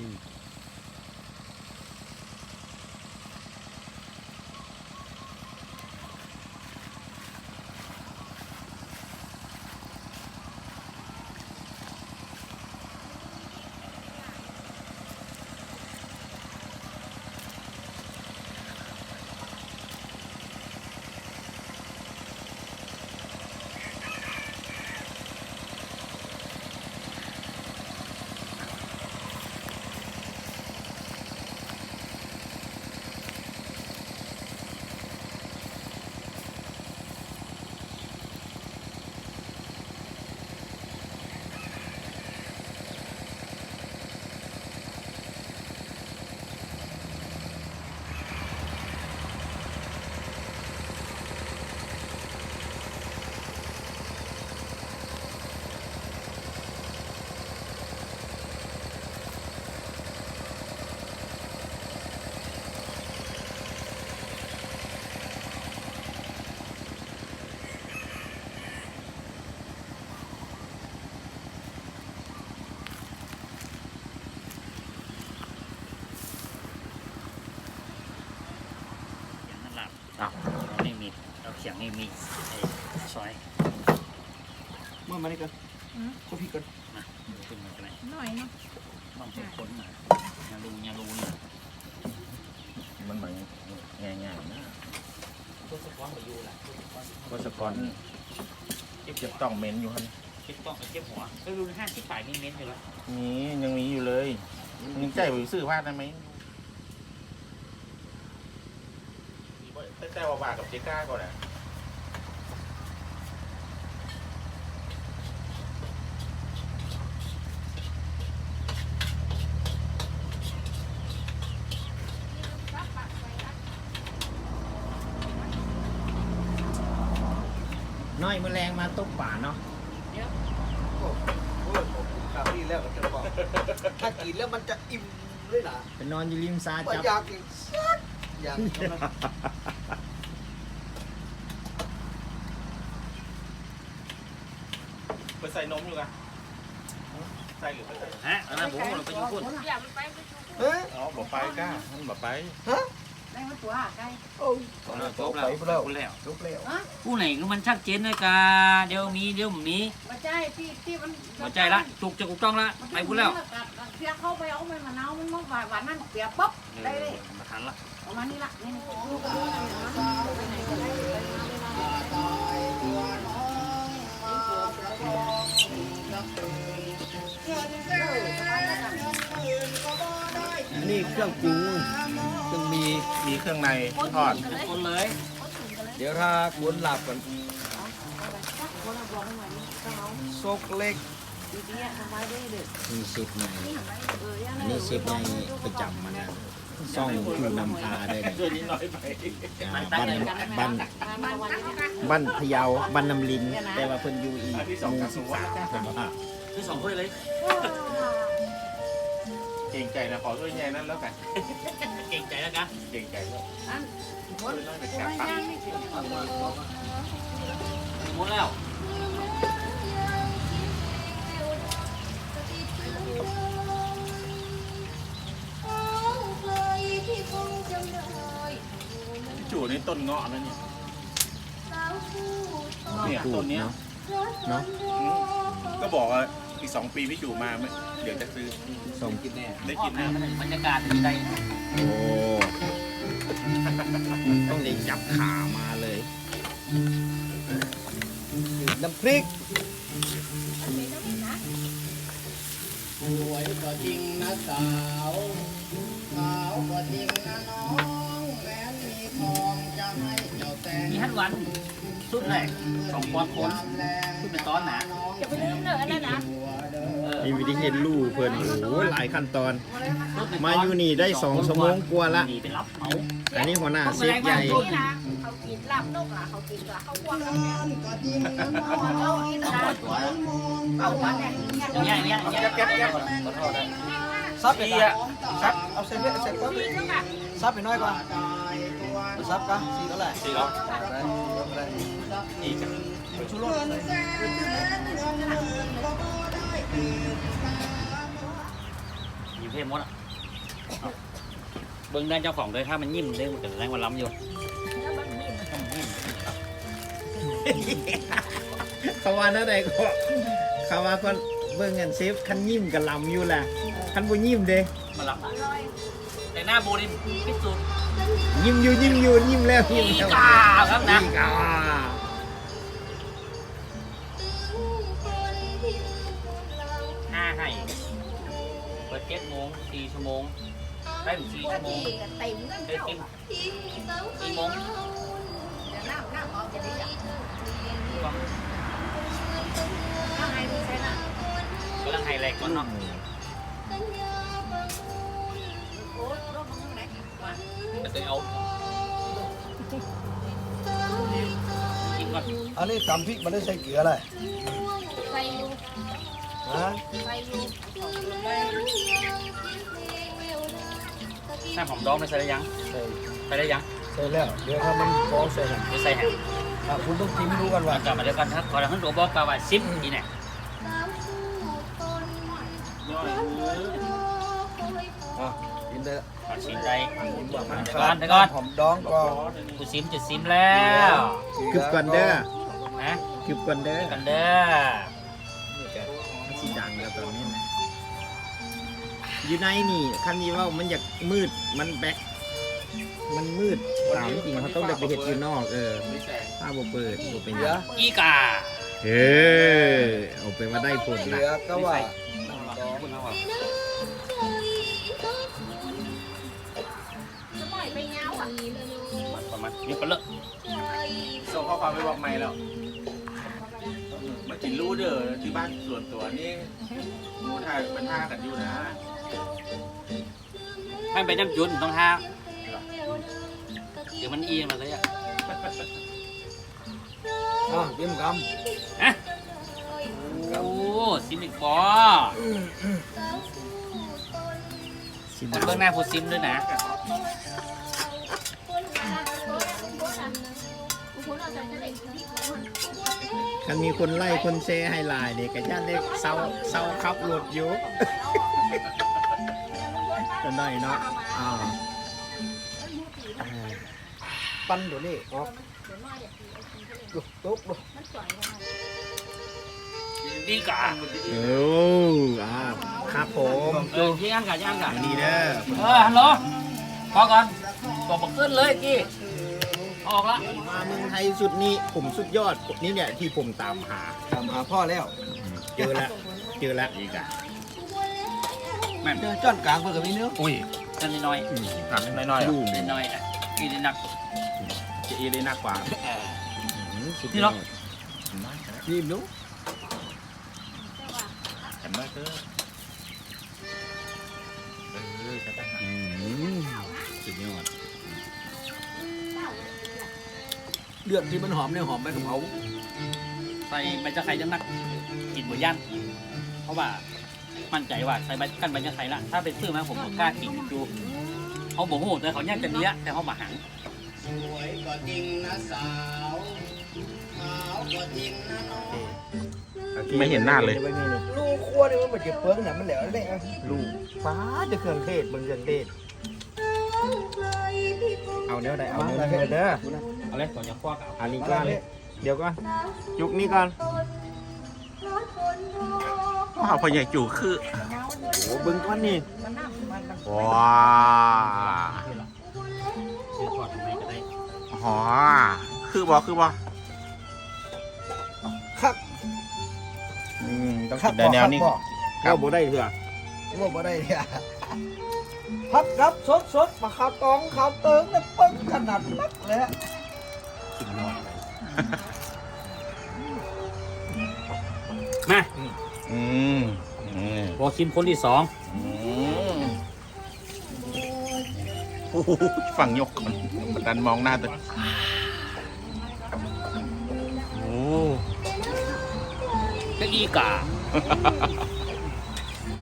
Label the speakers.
Speaker 1: ที่
Speaker 2: นี่มีเราเขียงนี่มีไอ้ซอย
Speaker 3: เมื่อมานี่กันก็พี่กัน
Speaker 2: นะขึ้นมากันไหน
Speaker 4: หน่อยเนาะ
Speaker 2: ต้องเป็นคนนะอย่ารู้นะ
Speaker 1: มันเหมือนง่ายๆนะ
Speaker 2: ตัวสปอนไปอยู่แหละ
Speaker 1: ก็สกอนเก็บต้องเม้นอยู่ครับ
Speaker 2: คิดต้องไปเก็บหัวก็รู้ห้าที่ฝ่ายมีเม้นอยู่แล้ว
Speaker 1: นี่ยังมีอยู่เลยยังใจไปซื้อผ้าได้ไหมแต่ว่าบากับเจ๊ก้าก่อนนะน้อยแมลงมาตกป่าเนาะ
Speaker 3: โอ้ข่าวนี้แล้วก็จะบอกถ้ากินแล้วมันจะอิ่มเลยนะ
Speaker 1: ไปนอนอยู่ริมซา
Speaker 3: ว่า
Speaker 1: จับ
Speaker 3: อยากกินสักอย่างนั้น
Speaker 1: ไปใส่นมอยู่กันใส่หรือไม่ใส่
Speaker 2: ฮะอันนั้นผมเราไปอยู่พุ่น
Speaker 4: อย่ามันไปชู
Speaker 3: เฮ้ย
Speaker 1: อ๋อบอกไปก้ามันบอกไป
Speaker 4: ได้มาตัวใกล้
Speaker 3: โอ้
Speaker 2: จบแล้วจบแล้ว
Speaker 3: ลุกแล้ว
Speaker 2: ผู้ไหนก็มันชัดเจนเลยกาเดี๋ยวมี
Speaker 4: มาใจที่มัน
Speaker 2: หัวใจละจุกจะถูกต้องละไปพูดแล้ว
Speaker 4: เสียเข้าไปเอาไปมะนาวมันมาหวานนั่นเปียกป๊บได้เลย
Speaker 2: มาทันละ
Speaker 4: ประมาณนี้ละนี่ลูกก็รู้นะไปไหนก็ได้
Speaker 3: นี่เครื่องปรุงเครื่องมี
Speaker 1: มีเครื่องในทอด
Speaker 2: คนเลย
Speaker 3: เดี๋ยวถ้าคุณหลับกันซกเล็ก
Speaker 1: มีเชฟในอันนี้เชฟในประจำมันนะซ่องคือนำพาได้เลย
Speaker 2: ช่วยนิดหน่อยไป
Speaker 1: บ้านพะเยาบ้านนำลิน แต่ว่าเพิ่นอยู่อีกหมู่13ผมว่า
Speaker 2: ที่สองถ้วยเลย
Speaker 1: เก่งใจนะขอด้วยแย่นั้นแล้วกัน
Speaker 2: เก่งใจแล้วกัน
Speaker 1: เก่งใจแล้ว
Speaker 2: หมดแล้ว
Speaker 1: จู่นี่ต้นเงาะนั่นเนี่ยต้นเนี้ยเนาะก็บอกว่าอีก2 ปีพี่จู่มาไหมเดี๋ยวจะซื้อส่งกินแน่ได้กินแน่
Speaker 2: บรรยากาศดีใจ
Speaker 1: โอ้ต้องเล็งจับขามาเลย
Speaker 3: น้ำพริก
Speaker 5: สวยกว่าจริงนะสาวขาวกว่าจริงนะน้องแม้นมีทองจะให้เจ้าแต่ง
Speaker 2: มีฮัทวันสุดแรก2 ปอนด์คนขึ้นเป็นตอนหนา
Speaker 4: อย่าไปลืมเนอะนั่นนะ
Speaker 1: มีวิธีเห็นลู่เพิ่นโอ้หลายขั้นตอน มาอยู่นี่ได้2 ชั่วโมงกว่าละ
Speaker 2: ไปรับเหมา
Speaker 1: อันนี้หัวหน้าเชฟใหญ่
Speaker 4: นี่นะเขากินลาบนกล่ะเขากินกับข้าวคั่วกันเนี่ย
Speaker 5: กว่าจริงนะน้อง
Speaker 4: เรากินนะเอาวันเนี่ย
Speaker 2: เนี่ย
Speaker 3: แก๊บซับไปอ่ะซับเอาเส้นเล็กเส้นก็ซับไปน้อยกว่าซับกัน4เท่าไหร่4แล้วได้อีกเป็นชุดรถ
Speaker 2: อยู่เทพมดอ่ะเบิ้งได้เจ้าของเลยถ้ามันยิ้มได้มันจะแรงวันล้ำอยู่
Speaker 3: เขาว่านั่นใดก็เขาว่าก็เบิ่งกันเซฟคันยิ้มกับลำอยู่แหละคันบ่ยิ้มเด้
Speaker 2: มันล้ำแต่หน้าโบนี่พิสูจน์
Speaker 3: ยิ้มอยู่ยิ้มแล้ว
Speaker 2: อี
Speaker 3: ยิ้มแล้ว
Speaker 2: กาครับนะ
Speaker 3: อีกา
Speaker 2: 5 ให้เปิด7 โมง 4 ชั่วโมงได้ถึง4 ชั่วโมง
Speaker 4: ติ่มนั่น
Speaker 2: ได้
Speaker 4: เจ้า
Speaker 2: กิน4 โมง
Speaker 4: น้ำออกจะดีอ่ะน้ำไงดีใช่ไหม
Speaker 2: กำลังไฮแลกก่อนเนาะ
Speaker 4: โอ้รถมันไหนวะ
Speaker 2: จะได้เอากินก่อน
Speaker 3: อันนี้ตำพริกมันได้ใส่เกลืออะไร
Speaker 4: ไฟอยู่
Speaker 3: ฮะ
Speaker 4: ไฟอยู่
Speaker 2: หน้าหอมดองไม่ใส่ได้ยัง
Speaker 3: ใส่
Speaker 2: ใส่ได้ยัง
Speaker 3: ใส่แล้วเดี๋ยวถ้ามันฟ้องใส่หนัง
Speaker 2: ไม่ใส่แฮะ
Speaker 3: คุณต้องกินดูกันว่า
Speaker 2: กลับมาเดี๋ยวกันถ้าขอทางตัวบอกกล่าวว่าซิมอีเนี่ย
Speaker 3: กินได้
Speaker 2: ขอชิมได้
Speaker 3: มัน
Speaker 2: เดี๋ยวก่อนเดี๋ยวก่อน
Speaker 3: หอมดองก็
Speaker 2: กูซิมจะซิมแล้ว
Speaker 3: กึบกันเด้อ
Speaker 2: นะ
Speaker 3: กึบกันเด้อ
Speaker 2: กันเด้อ
Speaker 3: มันสิดังแล้วตอนนี้นะอยู่ในนี่คันนี้ว่ามันอยากมืดมันแบ็คมันมืดตามจริงเขาต้องได้ไปเห็ดอยู่นอกถ้าบ่เปิดบ่เป็นหยัง
Speaker 2: อีกา
Speaker 3: เอาไปมาได้ผล
Speaker 6: เห
Speaker 3: ละ
Speaker 6: ลือก็ว่า
Speaker 4: จะปล่อยไปเงาอ่ะ
Speaker 2: ประมาณนี้ก็เลิก
Speaker 1: ส่งข้อความไปบอกไม่แล้วมากินรู้เด้อที่บ้านส่วนตัวนี่มูทาเป็นท่ากันอยู่นะ
Speaker 2: ให้ไปน้ำจุนต้องห้าเดี๋ยวมันเอียงมาเลยอ่ะ
Speaker 3: กินก
Speaker 2: ฮะโอ้ซิมอีกปอ
Speaker 3: ำ
Speaker 2: คนเบื้องหน้าผู้ซิมด้วยนะ
Speaker 3: คันมีคนไล่คนแชร์ให้ไลน์เด็กกระชากเล็กเศร้าขับรถอยู่จะได้เนาะปั้นเดี๋ยวนี้ออกดูตุ๊กดู
Speaker 2: ดีกา
Speaker 3: ครับผม
Speaker 2: ยี่อันกะยี่อันกะ
Speaker 3: อันนี้เด้อ
Speaker 2: ฮัลโหลพอก่อนบอกบอกขึ้นเลยกี้ออกละ
Speaker 3: มาเมืองไทยสุดนี้ผมสุดยอดนี่เนี่ยที่ผมตามหาพ่อแล้วเจอแล้วอีกอ่ะ
Speaker 2: แม่น
Speaker 6: เจอจ้อนกลางเพื่อกับพี่เนื้อ
Speaker 2: อุ้ยจะน้อย
Speaker 1: ถามน้อยๆ
Speaker 3: ดู
Speaker 2: น้อยอ่ะกินได้หนัก
Speaker 1: จะอีเลยนักกว่า
Speaker 2: นี่เนาะ
Speaker 3: ทีมนู้
Speaker 1: เห็นไหมเธอ
Speaker 3: สุดยอด
Speaker 6: เลือดที่มันหอมเนี่ยหอมไปกับเขา
Speaker 2: ใส่ใบจะไข่จะหนักกินบนย่านเพราะว่ามั่นใจว่าใส่ใบกันใบจะไข่ละถ้าเป็นซื้อมาผมก็กล้ากินดูเขาบอกโหแต่เขาแยกกันเนี้ยแต่เขามาหัง
Speaker 5: สวยก็จริงนะสาวขาวก็จริงนะน้อง
Speaker 1: ไม่เห็นหน้าเลย
Speaker 6: ลูกขั้วเนี่ยมันเหมือนเก็บเปลือกเนี่ยมันแหลวเลยอ่ะ
Speaker 3: ลูกฟ้าจะเครื่องเทศเมืองเครื่องเทศเอาเนื้อใดเอาเนื้อเด้อ
Speaker 2: เอาเลยก่อนจะคว้ากับ
Speaker 3: อันนี้ก่อนเดี๋ยวก่อนยุกนี้ก่อน
Speaker 1: ว้าวพ่อใหญ่จู่คือ
Speaker 3: โอ้บึงก้อนนี่
Speaker 1: ว้า
Speaker 2: ซื้อก่อนทำไมก็ได้
Speaker 1: หอคือบอ
Speaker 6: ครับ
Speaker 1: ต้องกินได้แนวนี้
Speaker 3: ก็บ่ได้เถอะ
Speaker 6: ว่าบ่ได้เนี่ยพักครับสดมาข้าวตองข้าวเติงเนี่ยปึ้งขนาดนักเลย
Speaker 2: มา
Speaker 1: อืม
Speaker 2: พอชิมคนที่สอง
Speaker 1: ฝั่งยกก่อนบันดันมองหน้าตัวโอ้
Speaker 2: ก็อีกา